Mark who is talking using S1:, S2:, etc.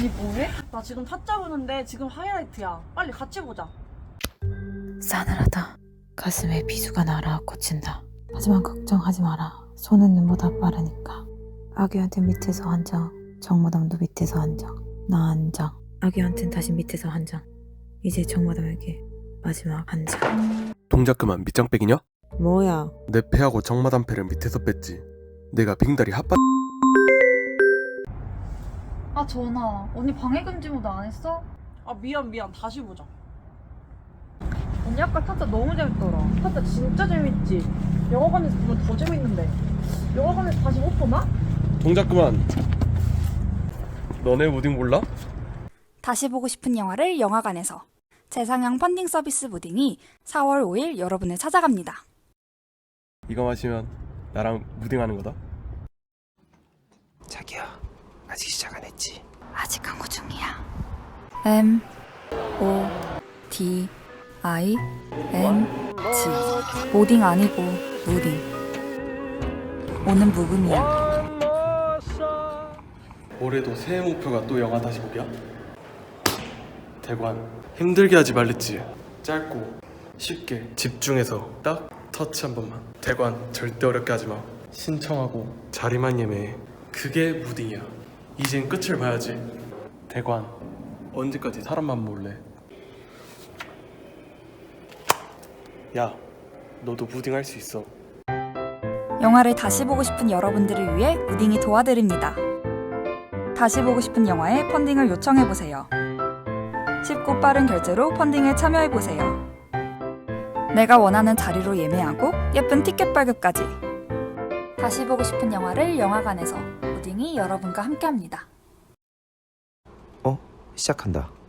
S1: 언니 뭐해? 나 지금 타짜 보는데 지금 하이라이트야. 빨리 같이 보자.
S2: 싸늘하다. 가슴에 비수가 날아 꽂힌다. 하지만 걱정하지 마라. 손은 눈보다 빠르니까. 아기한테 밑에서 한 장, 정마담도 밑에서 한 장, 나 한 장. 아기한텐 다시 밑에서 한 장. 이제 정마담에게 마지막 한 장.
S3: 동작 그만. 밑장 빼기냐?
S2: 뭐야?
S3: 내 패하고 정마담 패를 밑에서 뺐지. 내가 빙다리 핫바.
S4: 아 전화 언니 방해금지 모드 안 했어?
S1: 아 미안 다시 보자.
S4: 언니 아까 타짜 너무 재밌더라.
S1: 타짜 진짜 재밌지. 영화관에서 보면 더 재밌는데. 영화관에서 다시 못 보나?
S3: 동작 그만. 너네 무딩 몰라?
S5: 다시 보고 싶은 영화를 영화관에서 재상영 펀딩 서비스 무딩이 4월 5일 여러분을 찾아갑니다.
S3: 이거 마시면 나랑 무딩하는 거다.
S6: 자기야, 아직 시작 안 했지?
S5: 아직 광고 중이야. M O D I N G 모딩 아니고 무딩. 오는 묵음이야.
S3: 올해도 새해 목표가 또 영화 다시 보기야? 대관 힘들게 하지 말랬지. 짧고 쉽게 집중해서 딱 터치 한 번만. 대관 절대 어렵게 하지 마. 신청하고 자리만 예매해. 그게 무딩이야. 이젠 끝을 봐야지. 대관 언제까지 사람만 몰래. 야, 너도 무딩 할 수 있어.
S5: 영화를 다시 보고 싶은 여러분들을 위해 무딩이 도와드립니다. 다시 보고 싶은 영화에 펀딩을 요청해보세요. 쉽고 빠른 결제로 펀딩에 참여해보세요. 내가 원하는 자리로 예매하고 예쁜 티켓 발급까지. 다시 보고 싶은 영화를 영화관에서 무딩이 여러분과 함께합니다.
S6: 시작한다.